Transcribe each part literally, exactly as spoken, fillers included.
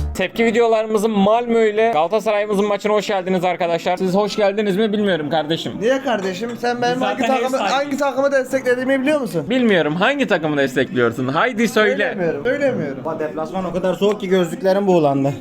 Tepki videolarımızın Malmö ile Galatasaray'ımızın maçına hoş geldiniz arkadaşlar. Siz hoş geldiniz mi bilmiyorum kardeşim. Niye kardeşim? Sen benim hangi Zaten takımı, ev sahibi. hangi takımı desteklediğimi biliyor musun? Bilmiyorum hangi takımı destekliyorsun? Haydi söyle. Söylemiyorum. Söylemiyorum. Ama deplasman o kadar soğuk ki gözlüklerim buğulandı.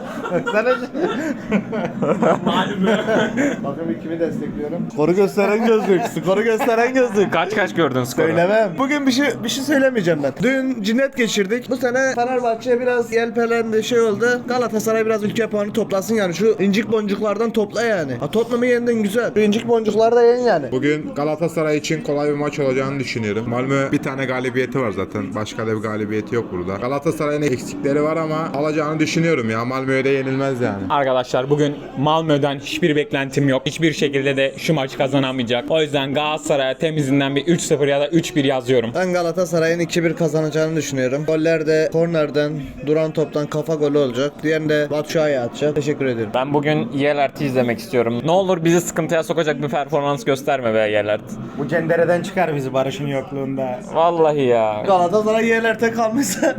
Bakın kimi destekliyorum. Skoru gösteren gözlük. Skoru gösteren gözlük. Kaç kaç gördün skoru? Söylemem. Bugün bir şey bir şey söylemeyeceğim ben. Dün cinnet geçirdik. Bu sene Fenerbahçe biraz yelpelendi, şey oldu. Galatasaray biraz ülke puanı toplasın yani. Şu incik boncuklardan topla yani. Ha, Tottenham'ı yendin güzel. Şu incik boncukları da yen yani. Bugün Galatasaray için kolay bir maç olacağını düşünüyorum. Malmö bir tane galibiyeti var zaten. Başka da bir galibiyeti yok burada. Galatasaray'ın eksikleri var ama alacağını düşünüyorum ya. Malmö'ye de yenilmez yani. Arkadaşlar bugün Malmö'den hiçbir beklentim yok. Hiçbir şekilde de şu maçı kazanamayacak. O yüzden Galatasaray'a temizinden bir üç sıfır ya da üç bir yazıyorum. Ben Galatasaray'ın iki bir kazanacağını düşünüyorum. Goller de kornerden, duran toptan kafa golü olacak. Diğerini de Batshuayi atacak. Teşekkür ederim. Ben bugün Yelert'i izlemek istiyorum. Ne olur bizi sıkıntıya sokacak bir performans gösterme be Yelert. Bu cendereden çıkar bizi Barış'ın yokluğunda. Vallahi ya. Galatasaray yerlerde kalmışsa.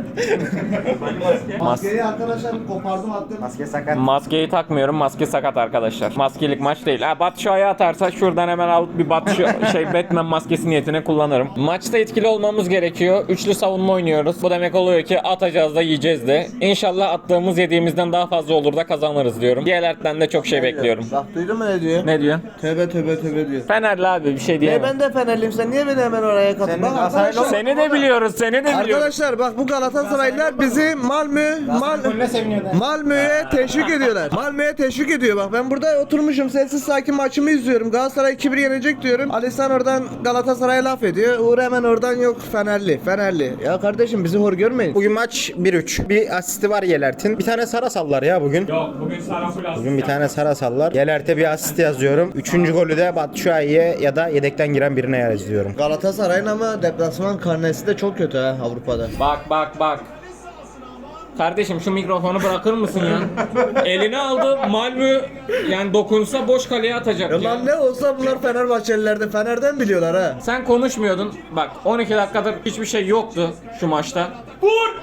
Mas Maskeyi arkadaşlar kopardım attım. Maske sakat. Maskeyi takmıyorum. Maske sakat arkadaşlar. Maskelik maç değil. Ha Batshuayi atarsa şuradan hemen alıp bir Batshu şey Batman maskesi niyetine kullanırım. Maçta etkili olmamız gerekiyor. Üçlü savunma oynuyoruz. Bu demek oluyor ki atacağız da yiyeceğiz de. İnşallah attığımız yediğimizden daha fazla olur da kazanırız diyorum. Diğerlerden de çok şey bekliyorum. Bak duydun mu ne diyor? Ne diyor? Tövbe tövbe tövbe diyor. Fenerli abi bir şey E diyemem. ben de Fenerliyim, sen niye beni hemen oraya katın? Senin Bak Galatasaraylı arkadaşlar, Seni de biliyoruz, seni de biliyoruz. arkadaşlar bak bu Galatasaraylılar bizi Malmö Mal Golüne seviniyorlar. Malmö'ye teşvik ediyorlar. Malmö'ye teşvik ediyor bak. Ben burada oturmuşum sessiz sakin maçımı izliyorum. Galatasaray iki bir yenecek diyorum. Alisson oradan Galatasaray'a laf ediyor. Uğur hemen oradan yok Fenerli. Fenerli. Ya kardeşim bizi hor görmeyin. Bugün maç bir üç. Bir asisti var Yelert'in. Bir tane Sara sallar ya bugün. Yok bugün Saraful Bugün bir tane Sara sallar. Yelert'e bir asist yazıyorum. Üçüncü golü de Batshuayi'ye ya da yedekten giren birine yazıyorum. Galatasaray'ın ama deplasman karnesi de çok kötü ha Avrupa'da. Bak bak bak. Kardeşim şu mikrofonu bırakır mısın ya? Eline aldı Malmö yani dokunsa boş kaleye atacak Ya ya. lan ne olsa bunlar Fenerbahçelilerde Fener'den biliyorlar ha. Sen konuşmuyordun. Bak on iki dakikadır hiçbir şey yoktu şu maçta. Vur!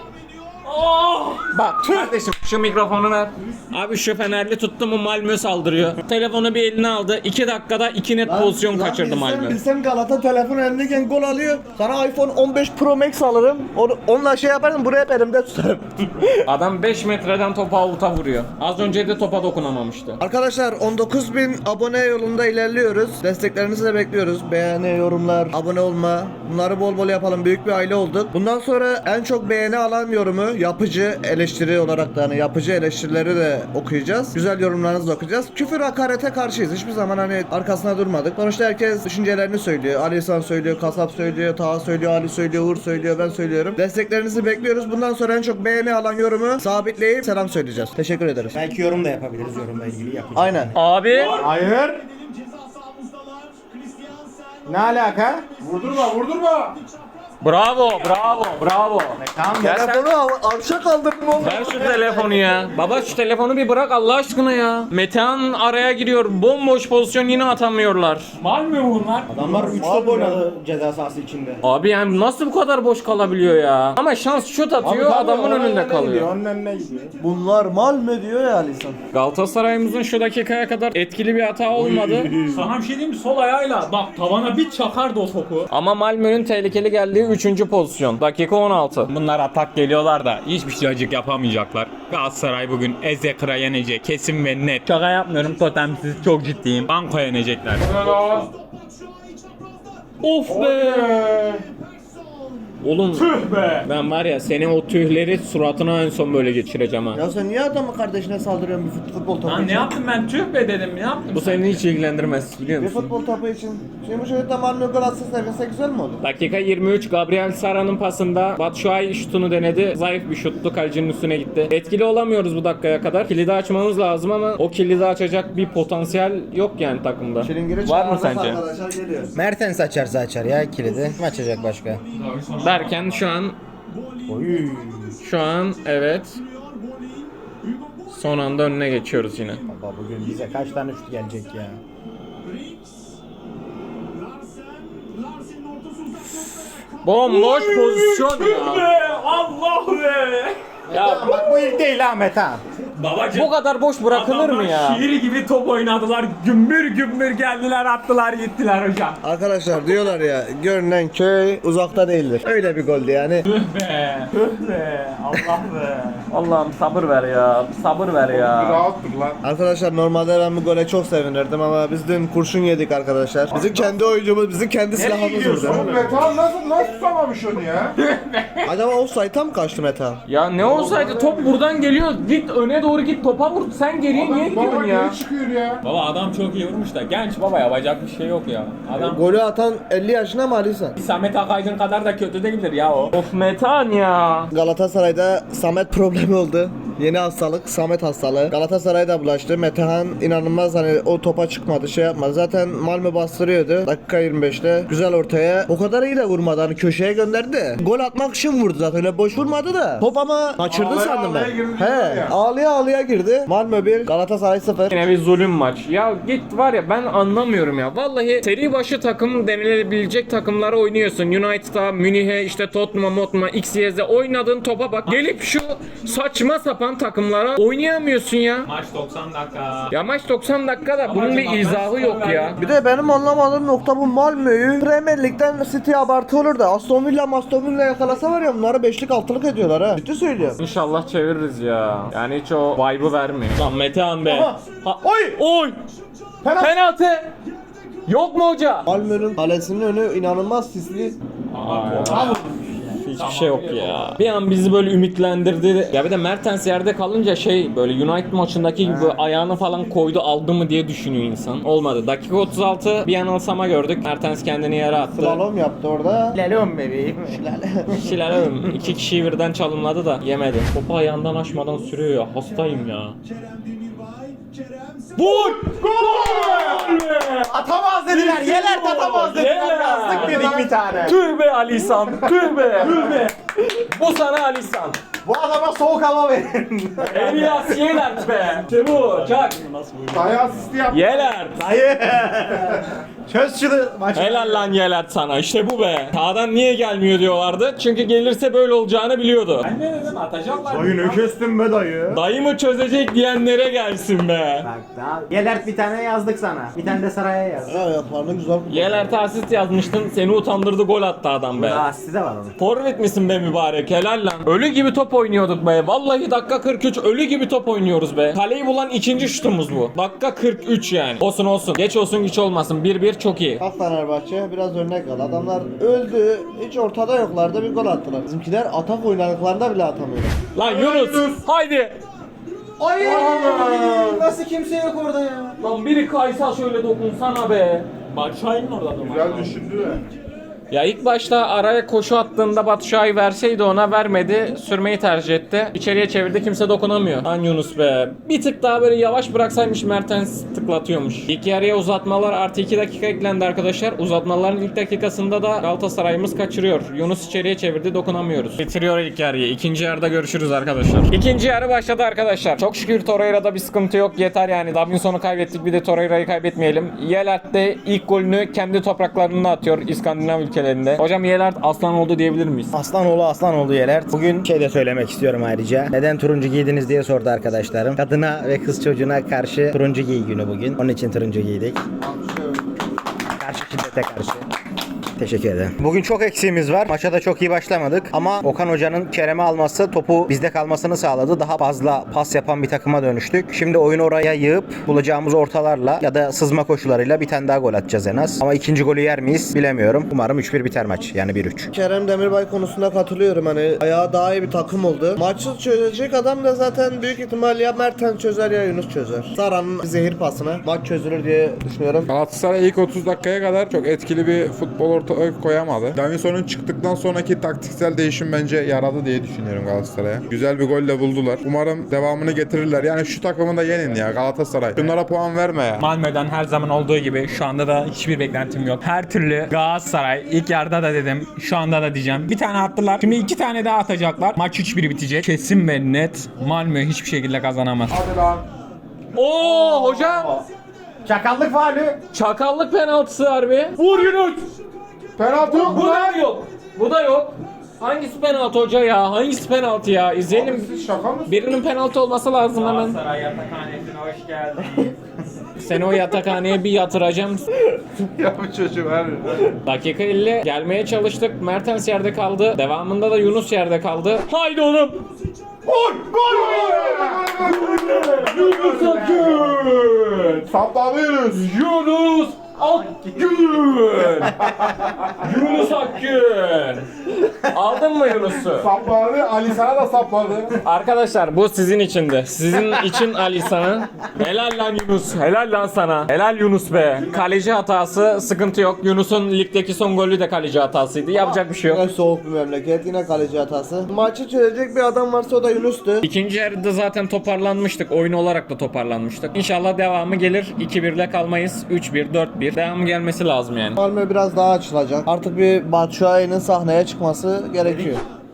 Oh! Bak kardeşim şu mikrofonu ver. Abi şu Fenerli tuttu mu Malmö saldırıyor. Telefonu bir eline aldı. iki dakikada iki net pozisyon Lan kaçırdı bilsem, Malmö. Bilsem Galata telefon elindeyken gol alıyor. Sana iPhone on beş Pro Max alırım. Onu, onunla şey yaparım buraya hep elimde tutarım. Adam beş metreden topa avuta vuruyor. Az önce de topa dokunamamıştı. Arkadaşlar on dokuz bin abone yolunda ilerliyoruz. Desteklerinizi de bekliyoruz. Beğeni, yorumlar, abone olma. Bunları bol bol yapalım. Büyük bir aile olduk. Bundan sonra en çok beğeni alan yorumu yapıcı eleştiri olarak da hani yapıcı eleştirileri de okuyacağız. Güzel yorumlarınızı da okuyacağız. Küfür hakarete karşıyız. Hiçbir zaman hani arkasına durmadık. Sonuçta herkes düşüncelerini söylüyor. Ali İhsan söylüyor, Kasap söylüyor, Taha söylüyor, Ali söylüyor, Uğur söylüyor, ben söylüyorum. Desteklerinizi bekliyoruz. Bundan sonra en çok beğeni alan yorumu sabitleyip selam söyleyeceğiz. Teşekkür ederiz. Belki yorum da yapabiliriz. Yorumla ilgili yapacağız. Aynen. Abi Hayır. Ne alaka? Vurdurma vurdurma. bravo bravo bravo. Tamam. Ya sen- Telefonu av- avşa kaldırdım oğlum. Ver şu telefonu ya. Baba şu telefonu bir bırak Allah aşkına ya. Metehan araya giriyor. Bomboş pozisyon yine atamıyorlar. Malmö bunlar. Adamlar üç top oynadı ceza sahası içinde. Abi yani nasıl bu kadar boş kalabiliyor ya? Ama şans şut atıyor adamın önünde kalıyor. Onun önüne gidiyor. Bunlar mal mı diyor ya Alisson. Galatasaray'ımızın şu dakikaya kadar etkili bir hata olmadı. Sana bir şey diyeyim mi? Sol ayağıyla bak tavana bir çakardı o topu. Ama Malmö'nün tehlikeli geldiği üçüncü pozisyon. Dakika on altı. Bunlar atak geliyorlar da hiçbir şeycik yapamayacaklar. Galatasaray bugün Ezekra yenecek. Kesin ve net. Şaka yapmıyorum totemsiz çok ciddiyim. Banko yenecekler. Of be! Oğlum Tüh be! ben var ya senin o tühleri suratına en son böyle geçireceğim ha. Ya sen niye adamın kardeşine saldırıyorsun bir fut- futbol topu Lan ne için? yaptım ben? Tüh be dedim. Ne yaptım? Bu seni hiç ilgilendirmez biliyor Bir musun? futbol topu için. Şimdi bu çocukta Malmö gol atsa sevinse güzel mi olur? Dakika yirmi üç Gabriel Sara'nın pasında Batshuayi şutunu denedi. Zayıf bir şuttu. Kalecinin üstüne gitti. Etkili olamıyoruz bu dakikaya kadar. Kilidi açmamız lazım ama o kilidi açacak bir potansiyel yok yani takımda. Şilingiri Var mı çağırırsa sence? Arkadaşlar geliyor. Mertens açarsa açar ya kilidi. Kim açacak başka? Derken şu an şu an evet son anda önüne geçiyoruz yine. Baba bugün bize kaç tane şut gelecek ya? Bomboş pozisyon ya. Allah be! Ya Bak bu ilk değil ha Metehan. Babacım. bu kadar boş bırakılır mı ya? Şiir gibi top oynadılar. Gümbür gümbür geldiler attılar gittiler hocam. Arkadaşlar diyorlar ya görünen köy uzakta değildir. Öyle bir goldü yani. Tüh be. Tüh be. Allah be. Allah'ım sabır ver ya. Sabır ver ya. Rahattık lan. Arkadaşlar normalde ben bu gole çok sevinirdim ama biz dün kurşun yedik arkadaşlar. Bizim kendi oyuncumuz, bizim kendi silahımız vurdu. Oğlum Metehan nasıl nasıl tutamamış onu ya? Acaba offside'a mı kaçtı Meta? Ya ne olsaydı top buradan geliyor. Git öne doğru git topa vur. Sen geriye niye gidiyorsun ya? çıkıyor ya. Baba adam çok iyi vurmuş da genç baba yapacak bir şey yok ya. Adam Golü atan elli yaşına mı Ali sen? Samet Akaydın kadar da kötü değildir ya o. Of Metehan ya. Galatasaray'da Samet problemi oldu. Yeni hastalık Samet hastalığı. Galatasaray'da bulaştı. Metehan inanılmaz hani o topa çıkmadı şey yapmadı. Zaten Malmö bastırıyordu. Dakika yirmi beşte güzel ortaya. O kadar iyi de vurmadı hani köşeye gönderdi. Gol atmak için vurdu zaten öyle boş vurmadı da. Top ama kaçırdı Ağlaya sandım ağlaya ben. girdi He diyorlar ya. ağlaya ağlaya girdi. Malmö bir Galatasaray sıfır. Yine bir zulüm maç. Ya git var ya ben anlamıyorum ya. Vallahi seri başı takım denilebilecek takımlara oynuyorsun. United'a, Münih'e, işte Tottenham'a, Mottenham'a, X Y Z'e oynadığın topa bak. Gelip şu saçma sapan takımlara oynayamıyorsun ya. Maç doksan dakika. Ya maç doksan dakikada bunun bir izahı yok ya. Bir de benim anlamadığım nokta bu Malmö'yü Premier Lig'den City abartı olur da Aston Villa Aston Villa yakalasa var ya bunları beşlik altılık ediyorlar ha. Ciddi söylüyorum. İnşallah çeviririz ya. Yani hiç o vibe'ı vermiyor. Lan Metehan be. Aha. Ha, oy! Oy! Penaltı. Penaltı! Yok mu hoca? Malmö'nün kalesinin önü inanılmaz sisli. Hiçbir şey yok ya. Bir an bizi böyle ümitlendirdi. Ya bir de Mertens yerde kalınca şey böyle United maçındaki gibi ayağını falan koydu aldı mı diye düşünüyor insan. Olmadı. Dakika otuz altı bir yanılsama gördük. Mertens kendini yere attı. Slalom yaptı orada. Lelom bebeğim. Şilalem iki kişiyi birden çalımladı da yemedi. Topu ayağından aşmadan sürüyor ya. Hastayım ya. Vur! Gol! Atamaz dediler. Yeler atamaz dediler. Yeler. Yazdık dedik bir tane. Tüh be Alisan, tüh be. Tüh be. Bu sana Alisan. Bu adama soğuk hava verin. Elias Yelert be. İşte bu. Çak. Daya asisti yaptı. Yelert. Hayır. Çöz şunu maçı. Helal lan Yelert sana. İşte bu be. Sağdan niye gelmiyor diyorlardı. Çünkü gelirse böyle olacağını biliyordu. Ben ne dedim atacaklar. Dayı ne kestin be dayı. Dayı mı çözecek diyenlere gelsin be. Bak daha Gelert bir tane yazdık sana. Bir tane de Saray'a yazdık. Ya ayaklarını güzel. Yelert'e asist yazmıştın. Seni utandırdı gol attı adam be. Daha asli de var onun. Forvet misin be mübarek? Helal lan. Ölü gibi top oynuyorduk be. Vallahi dakika kırk üç ölü gibi top oynuyoruz be. Kaleyi bulan ikinci şutumuz bu. Dakika kırk üç yani. Olsun olsun. Geç olsun güç olmasın. bir bir çok iyi. Bak Fenerbahçe biraz örnek al. Adamlar öldü. Hiç ortada yoklardı bir gol attılar. Bizimkiler atak oynadıklarında bile atamıyor. Lan Yunus. Haydi. Ay nasıl kimse yok orada ya. Lan biri kaysa şöyle dokunsana be. Başşahin'in orada da Güzel düşündü de. Ya ilk başta araya koşu attığında Batu Şahin verseydi ona vermedi. Sürmeyi tercih etti. İçeriye çevirdi kimse dokunamıyor. Lan Yunus be. Bir tık daha böyle yavaş bıraksaymış Mertens tıklatıyormuş. İlk yarıya uzatmalar artı iki dakika eklendi arkadaşlar. Uzatmaların ilk dakikasında da Galatasaray'ımız kaçırıyor. Yunus içeriye çevirdi dokunamıyoruz. Bitiriyor ilk yarıyı. İkinci yarıda görüşürüz arkadaşlar. İkinci yarı başladı arkadaşlar. Çok şükür Torreira'da bir sıkıntı yok. Yeter yani. Davinson'u kaybettik bir de Torreira'yı kaybetmeyelim. Yelert de ilk golünü kendi topraklarında atıyor İskandinav ülkelerinde. Hocam Yelert aslan oldu diyebilir miyiz? Aslanoğlu Aslanoğlu Gelert. Bugün şey de söylemek istiyorum ayrıca. Neden turuncu giydiniz diye sordu arkadaşlarım. Kadına ve kız çocuğuna karşı turuncu giy günü bugün. Onun için turuncu giydik. Karşı şiddete karşı. Teşekkür ederim. Bugün çok eksiğimiz var. Maça da çok iyi başlamadık. Ama Okan Hoca'nın Kerem'i alması topu bizde kalmasını sağladı. Daha fazla pas yapan bir takıma dönüştük. Şimdi oyunu oraya yığıp bulacağımız ortalarla ya da sızma koşularıyla bir tane daha gol atacağız en az. Ama ikinci golü yer miyiz bilemiyorum. Umarım üç bir biter maç. Yani bir üç. Kerem Demirbay konusunda katılıyorum hani ayağı daha iyi bir takım oldu. Maçı çözecek adam da zaten büyük ihtimal ya Mertens çözer ya Yunus çözer. Sara'nın zehir pasına maç çözülür diye düşünüyorum. Galatasaray ilk otuz dakikaya kadar çok etkili bir futbol ortaya koyamadı. Davinson'un çıktıktan sonraki taktiksel değişim bence yaradı diye düşünüyorum Galatasaray'a. Güzel bir golle buldular. Umarım devamını getirirler. Yani şu takımı da yenin ya Galatasaray. Şunlara puan verme ya. Malmö'den her zaman olduğu gibi şu anda da hiçbir beklentim yok. Her türlü Galatasaray ilk yarıda da dedim, şu anda da diyeceğim. Bir tane attılar. Şimdi iki tane daha atacaklar. Maç üç bir bitecek. Kesin ve net Malmö hiçbir şekilde kazanamaz. Hadi lan. Oo hocam. Çakallık faulü. Çakallık penaltısı harbi. Vur Yunus. Penaltı yok Bu mu da lan? yok. Bu da yok. Hangisi penaltı hoca ya? Hangisi penaltı ya? İzleyelim. Şaka mı? Birinin penaltı olması lazım hemen. Galatasaray yatakhanesine hoş geldin. Seni o yatakhaneye bir yatıracağım. Ya bu çocuğu var. Dakika elli gelmeye çalıştık. Mertens yerde kaldı. Devamında da Yunus yerde kaldı. Haydi oğlum. Gol! Gol! Yunus Akgün. Saplanıyoruz. Yunus Akgün. Yunus Akgün. Aldın mı Yunus'u? Sapladı. Ali sana da sapladı. Arkadaşlar bu sizin içindi. Sizin için Ali sana. Helal lan Yunus. Helal lan sana. Helal Yunus be. Kaleci hatası sıkıntı yok. Yunus'un ligdeki son golü de kaleci hatasıydı. Yapacak bir şey yok. Yine soğuk bir memleket, yine kaleci hatası. Maçı çözecek bir adam varsa o da Yunus'tu. İkinci yarıda zaten toparlanmıştık. Oyun olarak da toparlanmıştık. İnşallah devamı gelir. iki birle kalmayız. üç bir, dört bir. Devamı gelmesi lazım yani. Malmö biraz daha açılacak. Artık bir Batshuayi'nin sahneye çıkması gerekiyor.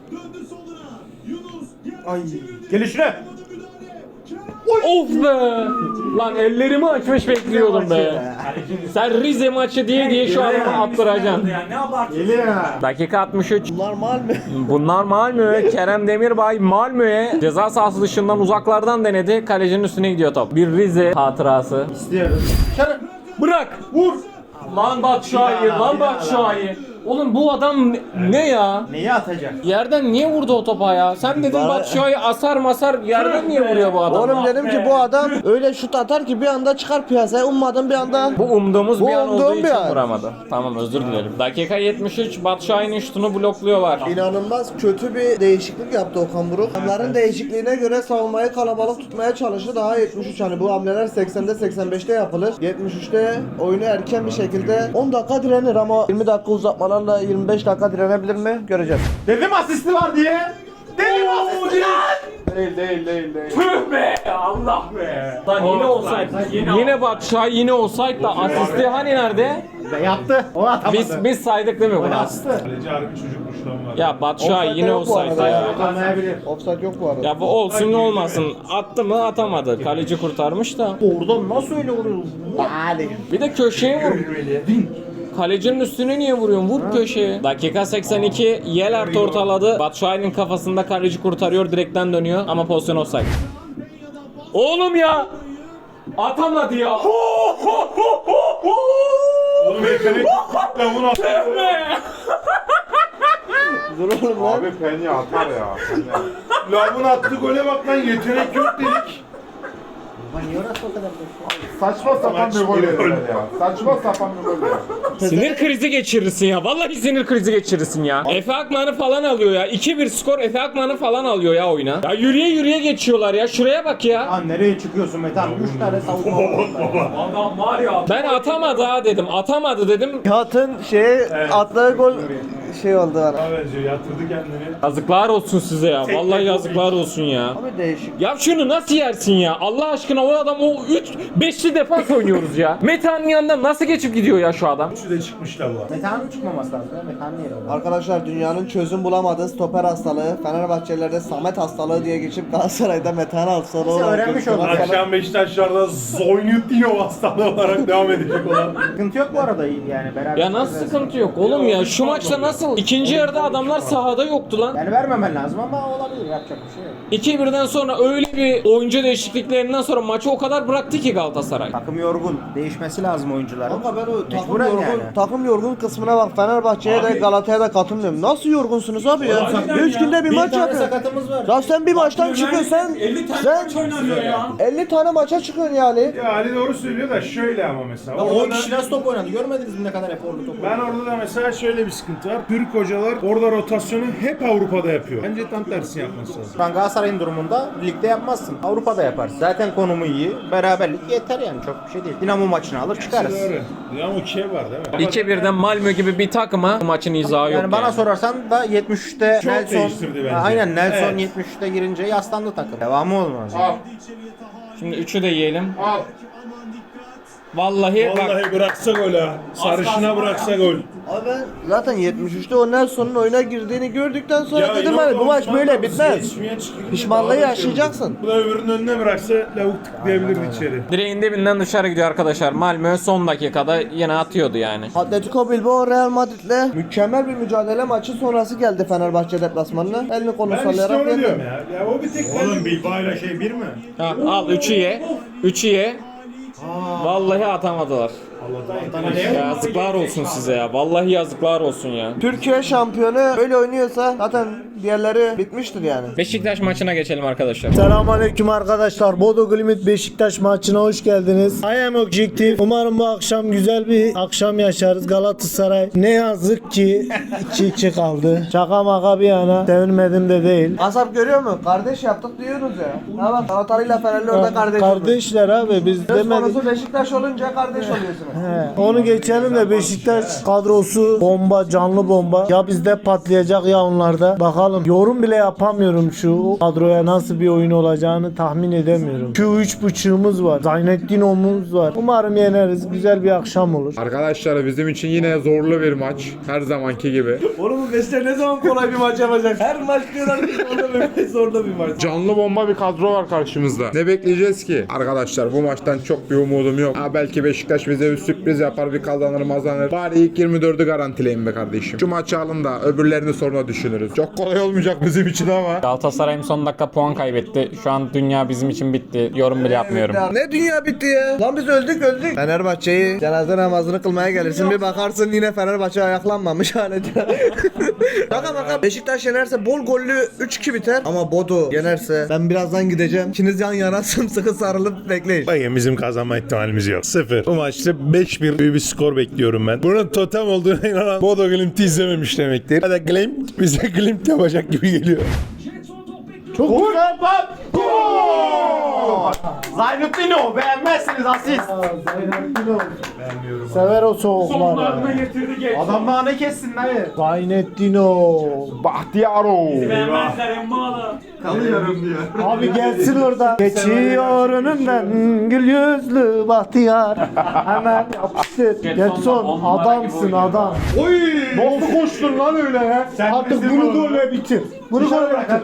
Gelişine. Of be! Lan ellerimi açmış bekliyordum be. Sen Rize maçı diye diye şu an attıracaksın. Ne abartıyorsun? Dakika altmış üç. Bunlar Malmö. Bunlar Malmö. Kerem Demirbay Malmö'ye ceza sahası dışından uzaklardan denedi. Kalecinin üstüne gidiyor top. Bir Rize hatırası. İstiyorum. Bırak! Vur! Lan Batshuayi, lan Batshuayi. Oğlum bu adam ne, ne ya? Neyi atacak? Yerden niye vurdu o topa ya? Sen dedin Bana- Batshuayi asar masar yerden niye vuruyor bu adam? Oğlum dedim ki bu adam öyle şut atar ki bir anda çıkar piyasaya. Ummadım bir anda. Bu umduğumuz Bu bir an umduğum olduğu bir için an. vuramadı. Tamam özür dilerim. Dakika yetmiş üç Batshuayi'nin şutunu blokluyorlar. İnanılmaz kötü bir değişiklik yaptı Okan Buruk. Onların değişikliğine göre savunmayı kalabalık tutmaya çalıştı. Daha yetmiş üç hani bu hamleler seksende seksen beşte yapılır. yetmiş üçte oyunu erken bir şekilde on dakika direnir ama yirmi dakika uzatmalarla yirmi beş dakika direnebilir mi? Göreceğiz. Dedim asisti var diye. Dedim asisti var. Değil değil değil değil. Tüh be! Allah be! Lan yine olsaydı. Yine Batshuayi yine olsaydı da asisti hani nerede? Ve yaptı. O atamadı. Biz biz saydık değil mi bunu? Kaleci harbi çocukmuş lan var. Ya Batshuayi Offside yine yok bu olsaydı arada ya. Atamayabilir. Offside yok bu arada. Ya bu olsun ne olmasın. Attı mı atamadı. Kaleci kurtarmış da. Oradan nasıl öyle vuruyorsun? Hadi. Bir de köşeye vur. Kalecinin üstüne niye vuruyorsun? Vur köşeye. Dakika seksen iki Yelert ortaladı. Batshuayi'nin kafasında kaleci kurtarıyor. Direkten dönüyor ama pozisyon offside. Oğlum ya! Atamadı ya. Oğlum yetenek lan bunu at. Dur oğlum lan. Abi Penny atar ya. Penny. Lavun attı gole bak lan yetenek yok dedik. Niye orası o kadar Saçma sapan bir gol yediler ya. Saçma sapan bir gol ya. Sinir krizi geçirirsin ya. Vallahi sinir krizi geçirirsin ya. Efe Akman'ı falan alıyor ya. iki bir skor Efe Akman'ı falan alıyor ya oyuna. Ya yürüye yürüye geçiyorlar ya. Şuraya bak ya. Lan nereye çıkıyorsun Metan? üç tane savunma var. Adam var ya. Ben atamadı ha dedim. Atamadı dedim. Nihat'ın şeye attığı gol şey oldu bana. Bence yatırdı kendini. Yazıklar olsun size ya. Vallahi yazıklar olsun ya. Abi değişik. Ya şunu nasıl yersin ya? Allah aşkına o adam o üç beşli defans oynuyoruz ya. Metehan'ın yanından nasıl geçip gidiyor ya şu adam? Üçü de çıkmış lavuğa. Metan'ın çıkmaması lazım ya. Metan niye öyle? Arkadaşlar dünyanın çözüm bulamadığı stoper hastalığı, Fenerbahçelilerde Samet hastalığı diye geçip Galatasaray'da Metehan hastalığı Biz olarak öğrenmiş gözüken olduk. hastalık. Akşam Beşiktaşlar'da Zoynutdinov hastalığı olarak devam edecek olan. Sıkıntı yok bu arada yani beraber. Ya nasıl sıkıntı yok oğlum ya? Şu maçta nasıl? İkinci yarıda adamlar sahada yoktu lan. Yani vermemen lazım ama olabilir yapacak bir şey yok. iki birden sonra öyle bir oyuncu değişikliklerinden sonra maçı o kadar bıraktı ki Galatasaray. Takım yorgun. Değişmesi lazım oyuncuların. Kanka ben o takım Mecburen yorgun, yani. takım yorgun kısmına bak. Fenerbahçe'ye de Galatasaray'a da katılmıyorum. Nasıl yorgunsunuz abi ya? üç günde bir Bir maç tane yapıyorsun. sakatımız var. Ya sen bir maçtan çıkıyorsun sen. elli tane Sen maç oynanıyor ya. elli tane maça çıkıyorsun yani. Ya Ali doğru söylüyor da şöyle ama mesela. on Orada kişi nasıl top oynadı? Görmediniz mi ne kadar eforlu top ben oynadı? orada da mesela şöyle bir sıkıntı var. Türk hocalar orada rotasyonu hep Avrupa'da yapıyor. Bence tam tersini yapması lazım. Şu an Galatasaray'ın durumunda ligde yapmazsın. Avrupa'da yaparsın. Zaten konumu iyi. Beraberlik yeter yani çok bir şey değil. Dinamo maçını alır çıkarız. Doğru. Ya o şey var değil mi? iki birden Malmö gibi bir takıma bu maçın izahı yok Yani bana sorarsan da yetmiş üçte Çok Nelson değiştirdi bence. Ha, aynen Nelson Evet. yetmiş üçte girince yaslandı takım. Devamı olmaz. Al. Şimdi üçü de yiyelim. Al. Vallahi, bak Vallahi bıraksa gol ha. Sarışına bıraksa gol. Abi ben zaten yetmiş üçte o Nelson'un oyuna girdiğini gördükten sonra dedim hani bu maç böyle bitmez. Pişmanlığı yaşayacaksın. Bu da öbürünün önüne bıraksa lavuk tıklayabilirdi içeri. Direğin dibinden dışarı gidiyor arkadaşlar. Malmö son dakikada yine atıyordu yani. Atletico Bilbao Real Madrid'le mükemmel bir mücadele maçı sonrası geldi Fenerbahçe deplasmanına. Elini kolunu Ben işte sallayarak onu diyorum geldi. ya. Ya o bir tek Oğlum Bilbao'yla şey bir mi? Ha, al üçü ye. üçü ye. Vallahi atamadılar. Yazıklar olsun size ya. Vallahi yazıklar olsun ya. Türkiye şampiyonu öyle oynuyorsa zaten diğerleri bitmiştir yani. Beşiktaş maçına geçelim arkadaşlar. Selamünaleyküm arkadaşlar. Bodo Glimt Beşiktaş maçına hoş geldiniz. I am objective. Umarım bu akşam güzel bir akşam yaşarız. Galatasaray ne yazık ki iki iki kaldı. Şaka maka bir yana sevinmedim de değil. Asap görüyor mu? Kardeş yaptık diyoruz ya. Ha bak Galatasaray'la Fenerli orada kardeş oldu. Kardeşler abi biz Söz demedik. konusu Beşiktaş olunca kardeş oluyorsunuz. He, onu geçelim de Beşiktaş kadrosu bomba, canlı bomba. Ya bizde patlayacak ya onlarda. Bakalım yorum bile yapamıyorum şu kadroya nasıl bir oyun olacağını tahmin edemiyorum. Şu üç buçuğumuz var. Zaynettin'omuz var. Umarım yeneriz. Güzel bir akşam olur. Arkadaşlar bizim için yine zorlu bir maç. Her zamanki gibi. Oğlum bu Beşiktaş ne zaman kolay bir maç yapacak? Her maç diyorlar ki zorla bir, zorla bir maç. Canlı bomba bir kadro var karşımızda. Ne bekleyeceğiz ki? Arkadaşlar bu maçtan çok bir umudum yok. Ha, belki Beşiktaş bize bir sürpriz yapar, bir kazanır mazanır. Bari ilk yirmi dördü garantileyin be kardeşim. Şu maçı alın da öbürlerini sonra düşünürüz. Çok kolay olmayacak bizim için ama. Galatasaray'ım son dakika puan kaybetti. Şu an dünya bizim için bitti. Yorum bile yapmıyorum. Ne dünya bitti ya? Lan biz öldük öldük. Fenerbahçe'yi cenaze namazını kılmaya gelirsin. Bir bakarsın yine Fenerbahçe ayaklanmamış halde. Şaka baka Beşiktaş yenerse bol gollü üç iki biter. Ama Bodo yenerse ben birazdan gideceğim. İkiniz yan yana sımsıkı sarılıp bekleyin. Bakın bizim kazanma ihtimalimiz yok. Sıfır. Bu maçta beş bir bir skor bekliyorum ben. Bunun totem olduğuna inanan Bodo Glimt'i izlememiş demektir. Ya da Glimt bize Glimt yapacak gibi geliyor. Çok güzel bak. Zaynettin'o beğenmezsiniz asist. Zaynettin'o. Beğenmiyorum. Sever o soğukları. Adamlar ne kessin dayı? Zaynettin'o. Bahtiyaro. Kalıyorum diyor. Abi gelsin orada. Geçiyor önümden gül yüzlü bahtiyar. Hemen yapıştır. Getson adamsın adam. Oy! Nasıl koştun lan öyle ya? Artık bunu golle bitir. Bunu golle bitir.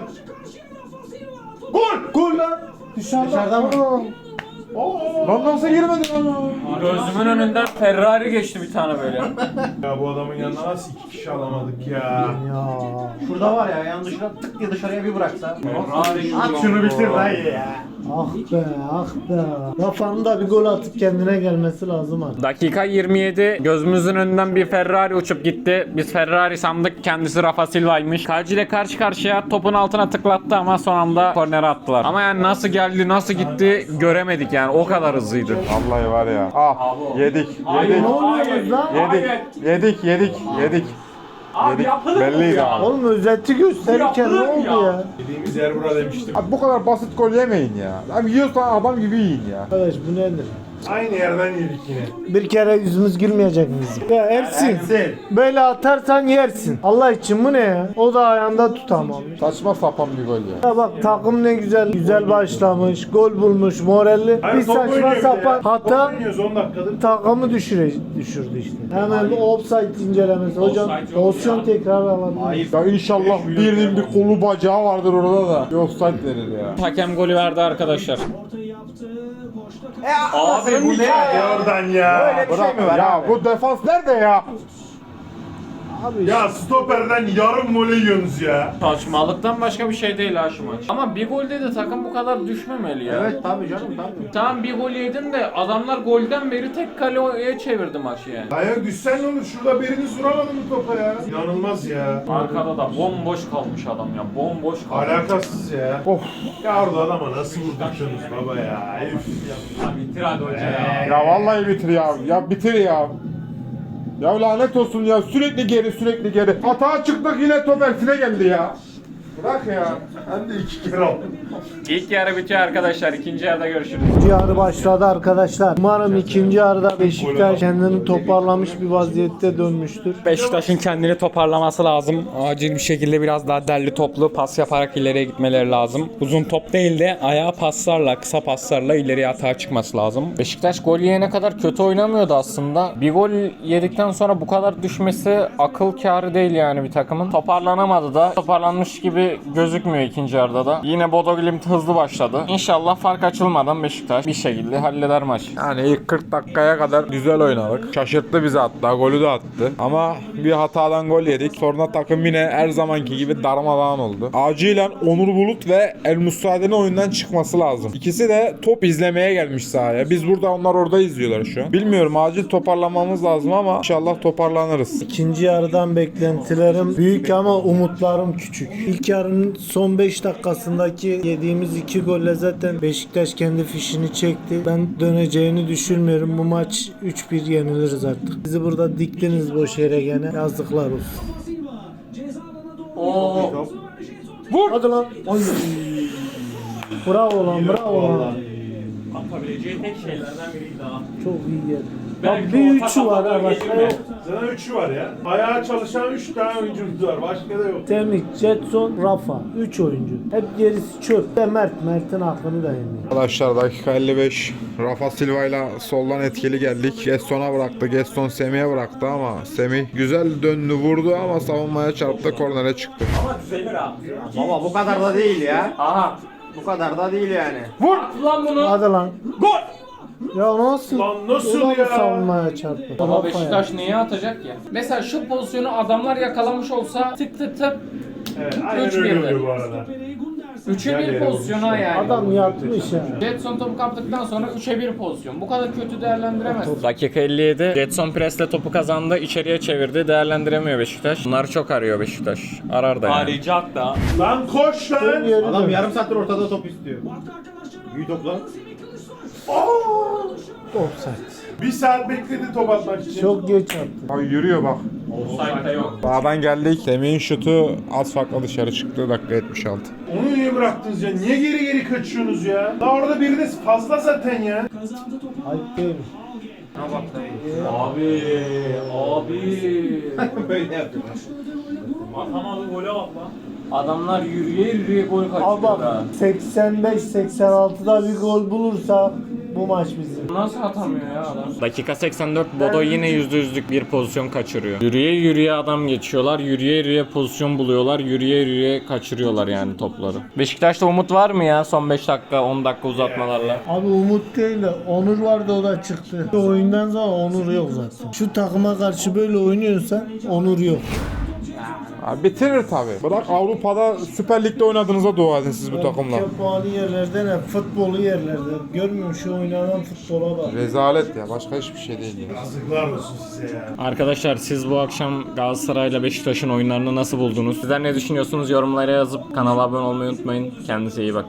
Gol! Gol lan! Dışarıda. Dışarıda mı? Lan nasıl girmedin lan? Gözümün önünden Ferrari geçti bir tane böyle. Ya bu adamın yanına nasıl iki kişi alamadık ya? Ya. Şurada var ya yan dışına tık diye dışarıya bir bıraksa. At şunu bitir dayı ya. Ah be ah be. Rafan'ın da bir gol atıp kendine gelmesi lazım artık. Dakika yirmi yedi. Gözümüzün önünden bir Ferrari uçup gitti. Biz Ferrari sandık. Kendisi Rafa Silva'ymış. Kaleci ile karşı karşıya topun altına tıklattı ama son anda kornere attılar. Ama yani nasıl geldi, nasıl gitti göremedik yani. O kadar hızlıydı. Vallahi var ya. Ah yedik. Yedik. Ne oluyoruz lan? Yedik. Yedik. Yedik. Yedik. Yedik. Belliydi abi. Oğlum özeti gösterirken ne oldu ya? Dediğimiz yer bura demiştim. Abi bu kadar basit gol yemeyin ya. Abi yiyorsan adam gibi yiyin ya. Arkadaş bu nedir? Aynı yerden yedik yine. Bir kere yüzümüz gülmeyecek mi bizim? Ya Ersin. Böyle atarsan yersin. Allah için bu ne ya? O da ayağında tutamamış. Saçma sapan bir gol ya. Ya bak takım ne güzel güzel başlamış. Gol bulmuş moralli. Hayır, Bir top saçma oynuyor bir de sapan ya. hata Top oynuyoruz on dakikadır. takımı düşüre, düşürdü işte. Hemen bir offside incelemesi. Hocam pozisyon tekrar alabilir. Ya inşallah birinin bir kolu bacağı vardır orada da. Bir offside verir ya. Hakem golü verdi arkadaşlar. Abi bu ne ya? Oradan ya. Bırak ya bu defans nerede ya? Ya stoperden yarım voley yiyorsunuz ya. Saçmalıktan başka bir şey değil ha şu maç. Ama bir golde de takım bu kadar düşmemeli ya. Evet tabii canım tabii. Tamam bir gol yedin de adamlar golden beri tek kaleye çevirdi maçı yani. Dayak düşsen ne olur? Şurada biriniz vuramadın mı topa ya? İnanılmaz ya. Arkada da bomboş kalmış adam ya. Bomboş kalmış. Alakasız ya. Of. Ya orada adama nasıl vurdurttunuz baba ya? Üf. Ya bitir hadi hoca ya. Ya vallahi bitir ya. Ya bitir ya. Ya lanet olsun ya sürekli geri sürekli geri. Hata çıktık yine top elsine geldi ya. Bırak ya. Hem de iki kere oldu. İlk yarı bitiyor arkadaşlar. İkinci yarıda görüşürüz. İkinci yarı başladı arkadaşlar. Umarım ikinci yarıda Beşiktaş kendini toparlamış bir vaziyette dönmüştür. Beşiktaş'ın kendini toparlaması lazım. Acil bir şekilde biraz daha derli toplu pas yaparak ileriye gitmeleri lazım. Uzun top değil de ayağa paslarla, kısa paslarla ileriye atağa çıkması lazım. Beşiktaş gol yiyene kadar kötü oynamıyordu aslında. Bir gol yedikten sonra bu kadar düşmesi akıl kârı değil yani bir takımın. Toparlanamadı da. Toparlanmış gibi gözükmüyor ikinci yarıda da. Yine Bodo Glimt hızlı başladı. İnşallah fark açılmadan Beşiktaş bir şekilde halleder maç. Yani ilk kırk dakikaya kadar güzel oynadık. Şaşırttı bizi hatta. Golü de attı. Ama bir hatadan gol yedik. Sonra takım yine her zamanki gibi darmadağın oldu. Acilen Onur Bulut ve El Mustade'nin oyundan çıkması lazım. İkisi de top izlemeye gelmiş sahaya. Biz burada, onlar orada izliyorlar şu an. Bilmiyorum, acil toparlanmamız lazım ama inşallah toparlanırız. İkinci yarıdan beklentilerim büyük ama umutlarım küçük. İlk yarının son beş dakikasındaki yediğimiz iki golle zaten Beşiktaş kendi fişini çekti. Ben döneceğini düşünmüyorum. Bu maç üç bir yeniliriz artık. Bizi burada diktiniz boş yere gene. Yazıklar olsun. Oo. Vur! Hadi lan. Ay. Bravo lan, bravo lan. Atabileceği tek şeylerden biriydi daha. Çok iyi geldi. Belki Bak bir orta üçü var ha kafadan başka gelir yok. mi? Zaten üçü var ya. Ayağa çalışan üç tane oyuncumuz var. Başka da yok. Semih, Jetson, Rafa. üç oyuncu. Hep gerisi çöp. Ve Mert. Mert'in hakkını da yemiyor. Arkadaşlar dakika elli beş. Rafa Silva ile soldan etkili geldik. Gesson'a bıraktı. Gesson Semih'e bıraktı ama Semih güzel döndü, vurdu ama savunmaya çarptı. Kornere çıktı. Ama düzelir ha. Baba bu kadar da değil ya. Aha. Bu kadar da değil yani. Vur! At lan bunu. Hadi lan. Gol! Ya nasıl? Lan nasıl O da ya? savunmaya çarptı. Ama Rafa Beşiktaş ya. neye atacak ya? Mesela şu pozisyonu adamlar yakalamış olsa tık tık tık Evet, aynen Üç öyle bir oluyor mi? bu arada. üçe Güzel bir yere pozisyona yani. Adam yatmış ya. Jetson topu kaptıktan sonra üçe bir pozisyon. Bu kadar kötü değerlendiremez. Dakika elli yedi. Jetson presle topu kazandı. İçeriye çevirdi. Değerlendiremiyor Beşiktaş. Bunları çok arıyor Beşiktaş. Arar da yani. Arayacak da. Lan koş lan. Geri Adam dön. yarım saattir ortada top istiyor. Büyü topla. Offside. Bir saat bekledi top atmak için. Çok geç attı. Ay yürüyor bak. Offside'da yok. Sağdan geldik. Semih'in şutu az farkla dışarı çıktı. Dakika yetmiş altı. Onu niye bıraktınız ya? Niye geri geri kaçıyorsunuz ya? Daha orada biriniz fazla zaten ya. Ayıp değil. Abi, abi. Böyle yapıyorlar. Atamadı gole bak lan. Adamlar yürüye yürüye gol Al kaçırdı bak ha. seksen beş seksen altıda bir gol bulursa bu maç bizim. Nasıl atamıyor ya adam? Dakika seksen dört. Bodo yine yüzde yüzlük bir pozisyon kaçırıyor. Yürüye yürüye adam geçiyorlar. Yürüye yürüye pozisyon buluyorlar. Yürüye yürüye kaçırıyorlar yani topları. Beşiktaş'ta umut var mı ya son beş dakika on dakika uzatmalarla? Abi Umut değil de Onur vardı, o da çıktı. Bu oyundan sonra Onur yok zaten. Şu takıma karşı böyle oynuyorsan Onur yok. Abi bitirir tabi. Bırak Avrupa'da Süper Lig'de oynadığınıza dua edin siz bu takımla. Ülke puanı yerlerde ne? Futbolu yerlerde. Görmüyor musun şu oynanan futbola bak. Rezalet ya. Başka hiçbir şey değil ya. Yazıklar olsun size ya. Arkadaşlar siz bu akşam Galatasaray'la Beşiktaş'ın oyunlarını nasıl buldunuz? Sizler ne düşünüyorsunuz? Yorumlara yazıp kanala abone olmayı unutmayın. Kendinize iyi bakın.